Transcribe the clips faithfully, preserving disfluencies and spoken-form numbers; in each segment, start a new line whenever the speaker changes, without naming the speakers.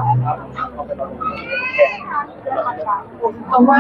คำว่า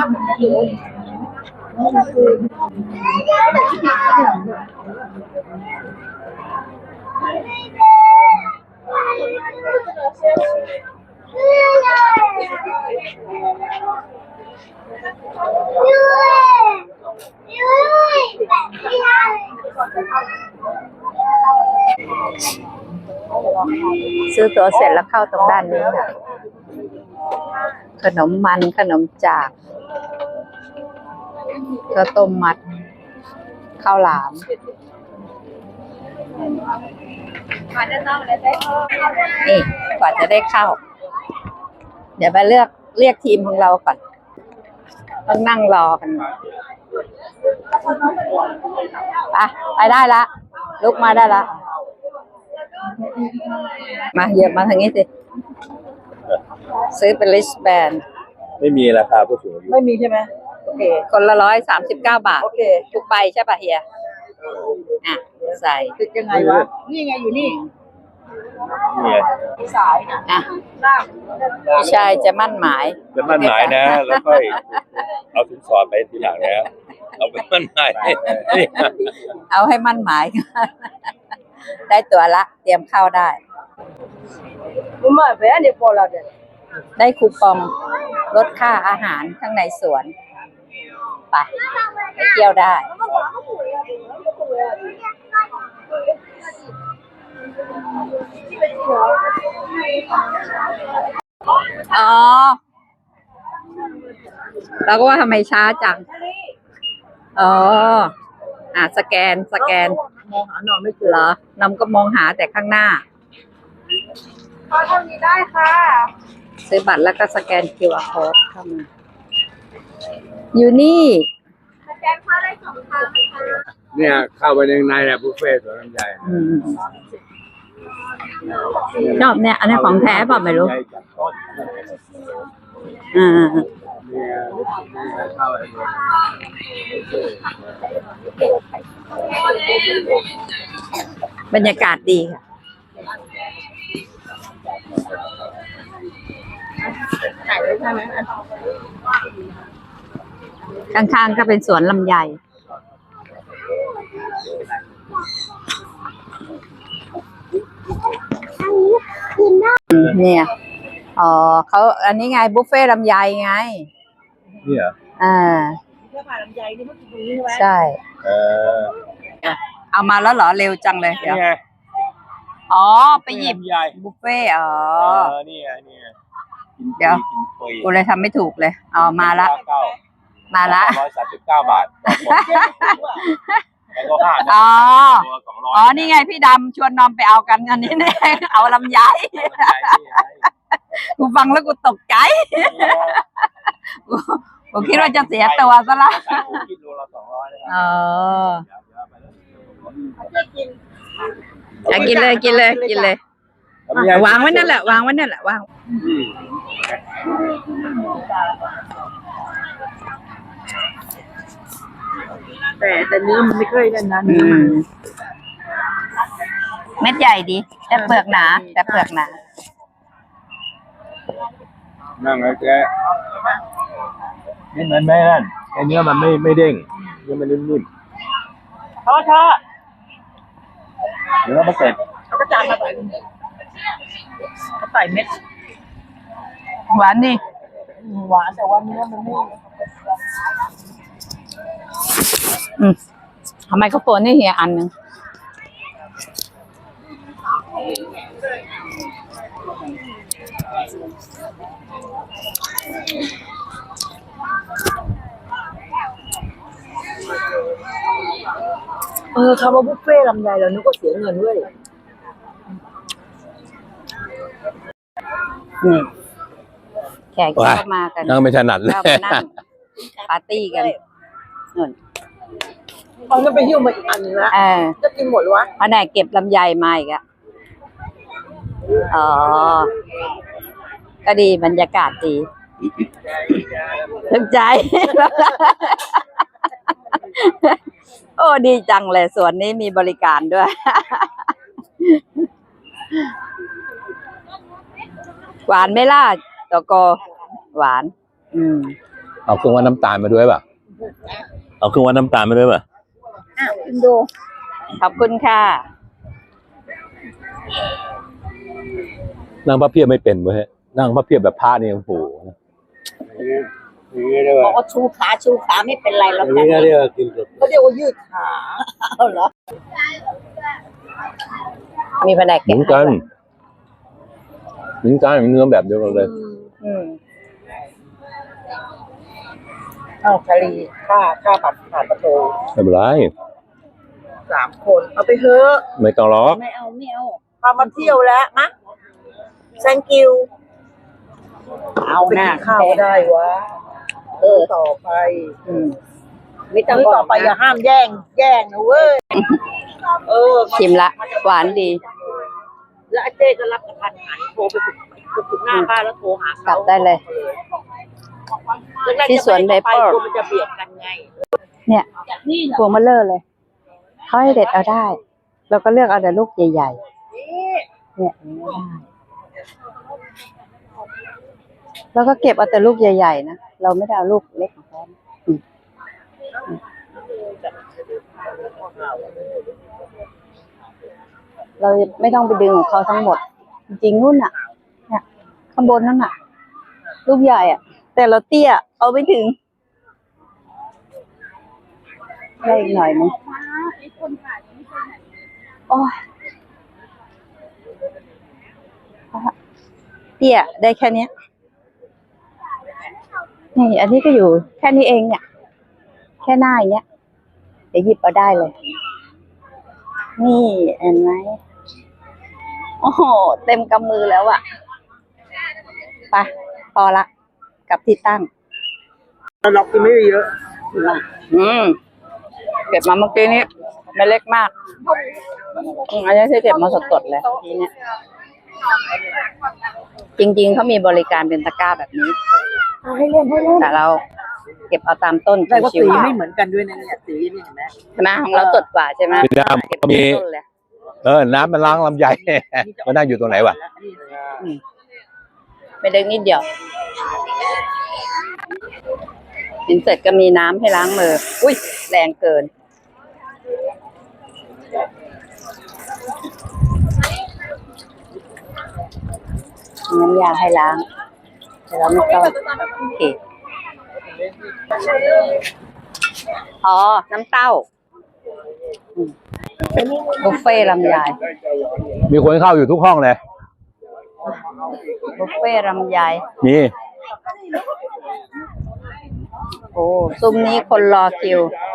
ซื้อตั๋วเสร็จแล้วเข้าตรงด้านนี้ค่ะขนมมันขนมจากข้าวต้มมัดข้าวหลามนี่กว่าจะได้เข้าเดี๋ยวไปเลือกเรียกทีมของเราก่อนต้องนั่งรอกันไปไปได้ละลุกมาได้ละมาเหยียบมาทางนี้สิซื้อเป็นลิสแบน
ไม่มีราคาผู้สูงอายุ
ไม่มีใช่ไหมโอเค
คนละร้อยสามสิบเก้าบาท
โอเค
ทุกใบใช่ป่ะเฮียอ่ะใส่
คือยังไงวะนี่ไงอยู่นี่
นี่
สายนะ
อ่ะ
ล่าง
พี่ชายจะมั่นหมาย
จะมั่นหมายนะแล้วค่อยเอาสินสอดไปทีหลังนะเอาไปมั่นหมาย
เอาให้มั่นหมายได้ตัวละเตรียมเข้าได้
มาแหวนเดี๋ยวพอแล้วเดี๋ยว
ได้คูปองลดค่าอาหารข้างในสวนไปไปเที่ยวได้อ๋อเราก็ว่าทำไมช้าจังอ๋ออ่ะสแกนสแกน
มองหาหนอนไม่เจอ
เหรอนำก็มองหาแต่ข้างหน้า
พอทำนี้ได้ค่ะ
ซื้อบัตรแล้วก็สแกน คิว อาร์ code เข้ามาอยู่นี่
สแกนค่าได้สองครั้งนะคะ
เนี่ยเข้าไปในในแหละบุฟเฟ่ต์สวนลำไย
ชอบเนี่ยอันนี้ของแท้เปล่าไม่รู้อ่าบรรยากาศดีค่ะข้างๆก็เป็นสวนลำไยเนี่ยอ๋อเขาอันนี้ไงบุฟเฟ่ลำไยไง
นี่เหรอ
อ่า
เพื่อผ่านลำไยนี่เมื่อกี้ตรงนี้ใช่ไหม
ใช่
เออ
เอามาแล้วเหรอเร็วจังเลยเดี๋ยวอ๋อไปหยิบบุฟเฟ่อ๋อ
นี่ไงนี่ไง
เดี๋ยวกูเลยทำไม่ถูกเลยอ๋อมาละมาละ
ร้อยสามสิบเก้าบาท
อ๋ออ๋อนี่ไงพี่ดำชวนนอมไปเอากันอันนี้เนี่ยเอาลำไยกูฟังแล้วกูตกใจกูคิดว่าจะเสียตัวซะละเอออยากกินเลยกินเลยกินเลยวางไว้นั่นแหละวางไว้นั่นแหละวาง
แต่แต่เนื้อมันไม่เคยนั่นนะ
เม็ดใหญ่ดีแต่เปลือกหนาแต่เปลือกหนา
นั่งไอ้แกนี่มันไม่นั่นไอ้เนื้อมันไม่ไม่เด้งเนื้อมันนิ่ม
ๆเขาชอบ
เนื้อมันเสร็จ
เขาก็จานมาใส่เขาใส่เม็ด
หวานดิ
หวานแต่ว่าเนื้อมันไม่
อืมทำไมเขาโฟนนี่เฮียอันหนึ่ง
เออคำว่าบุฟเฟ่ลำไยเรานึกว่าเสียเงินด้วย
นี่แขกเข้ามากัน
นั่งไม่ถนัดเลย
นั่งปาร์ตี้กันนู่น
เขาจะไปหิ้วมาอีกอันนึงแล้วจะกินหมดวะ
เพราะไหนเก็บลำไยมาอีกอะอ๋อก็ดีบรรยากาศดีถึงใจโอ้ดีจังเลยสวนนี้มีบริการด้วยหวานไหม่ล่ะตกอหวาน อืม
เอาเครื่องวัดน้ำตาลมาด้วยป่ะเอาเครื่องวัดน้ำตาลมาด้วยป่ะ
อ่ะคุณดู ขอบคุณค่ะ
นั่งพระเพียบไม่เป็นเว้ยนั่งพระเพียบแบบพระนี่โอ้โห
บอกว่าชูขาชูขาไม่เป็นไรแล้ว
นี่ก็เรียกว่ากิน
เขาเรียกว่ายืดขาเอาเหรอ
มีแผนก
เหมื
เก็บ
อนกันเหมือนกันเนื้อแบบเดียวกันเลย
อืม
เอาคารีค่าค่าผัดผ่านประตู
ไม่เป็นไร
สามคนเอาไปเถอะ
ไม่ต้องล็อก
ไม่เอาไม่เอา
พามาเที่ยวแล้วมะ thank you
เอา
ไป
หน้า
กินข้าวก็ได้วะเออต่อไป
อืมไม่ต้อง
มื้อต่อไปอย่าห้ามแย่ง แย่งนะเว้ยเออ
ชิมละ หวานดี
แล้วอาเจ้ก็รับกระทันหันโทรไปถึงถึงหน้าบ้านแล้วโทรหาก
ลั
เขา
บได้เลย ที่สวนไดเปอร์
กลัวมันจะเบียดกันไง
เนี่ยพวงมะเลอเลยเขาให้เด็ดเอาได้ เราก็เลือกเอาแต่ลูกใหญ่ๆ เนี่ยอย่างนี้ได้แล้วก็เก็บเอาแต่ลูกใหญ่ๆนะ เราไม่ได้เอาลูกเล็กของเขาอืมอืมเราไม่ต้องไปดึงของเขาทั้งหมด จริงๆนู่นน่ะ เนี่ยข้างบนนั่นน่ะ ลูกใหญ่อ่ะ แต่เราเตี้ย เอาไม่ถึง ได้อีกหน่อยนึงโอ้ยเตี้ยได้แค่เนี้ยนี่ อันนี้ก็อยู่แค่นี้เองเนี่ย แค่หน้าอย่างเงี้ย เดี๋ยวหยิบเอาได้เลย นี่เห็นไหมโอ้โห เต็มกำมือแล้วอะไปพอละกลับที่ตั้ง
เรากินไม่เยอะ
อืมเก็บมาเมื่อกี้นี้ไม่เล็กมากอืมอันนี้ที่เก็บมาสดๆเลยทีเนี้ยจริงๆเขามีบริการเป็นตะกร้าแบบนี้
ให้เล่นให้เล่น
แต่เราเก็บเอาตามต้น
ได้ว่า
ชิ
สี
วๆ
ไม่เหมือนกันด้วยนะเนี่ยสีนี่เห็นไหม
ใช่ไหมของเราสดกว่าใช่ไหม
พี่ดำ
เก็บ
ก็มี
ตามต้นเลย
เออน้ำมันล้างลำไย มันนั่งอยู่ตรงไหนวะ
อืมไม่ได้นิดเดียวกินเสร็จก็มีน้ำให้ล้างมือ อุ้ยแรงเกิน น้ำยาให้ล้างแต่เราไม่ต้องโอเคอ๋อ น้ำเต้าอืมบุฟเฟ่ต์ลำไย
มีคนเข้าอยู่ทุกห้องเลย
บุฟเฟ่ต์ลำไย
มี
โอ้ซุ้มนี้คนรอคิว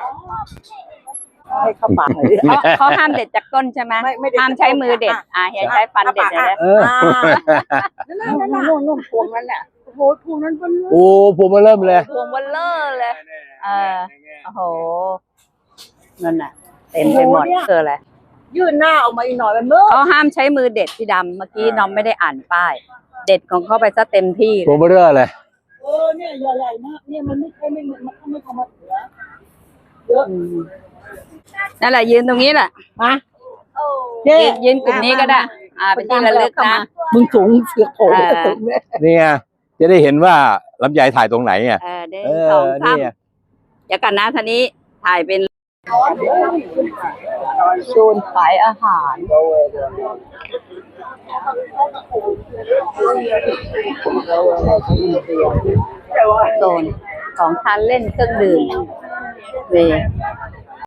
ให้เข้าปากหน่อยดิ
เขาเขาห้ามเด็ดจากต้นใช่ไหม
ไม่ไม่เด็ด
ห้ามใช้มือเด็ด อ่าอย่าใช้ฟันเด็ดเลยนะ
เออ
นั่นนั่นนั่นนู่นนู่นพวงนั้นน่ะโอ้โหพวงนั้นเป็น
โอ้ผมมาเริ่มเลย
พวงเบลเลอร์เลย เออ โอ้โห นั่นน่ะ เต็มไปหมดเกิดอะไร
ยื่นหน้าออกมาอีกหน่อยมันเมื่อ
เขาห้ามใช้มือเด็ดพี่ดำ เมื่อกี้น้องไม่ได้อ่านป้าย เด็ดของเขาไปซะเต็มที่เล
ผม
ย
มาเริ่มเลย
เออเนี่ยใหญ่ๆมากเนี่ยมันไม่ใช่ไม่มันไม่เข้ามาเหลือเยอะ
อืมนั่นแหละยืนตรงนี้แหละ
มาเ
ยืนยืนกลุ่มนี้ก็ได้ อ่า เป็นที่ระลึกนะ
มึงสูงเสือกโผล่
เออ
สูงเนี่ย
นี่ไงจะได้เห็นว่าลำไยถ่ายตรงไหนอ่ะ
เออเดิน
เอ
สอง
อ
สาม
นี่ไง
เดี๋ยวกันนะทีนี้ถ่ายเป็นโซนขายอาหารโซนของทานเล่นเครื่องดื่มเว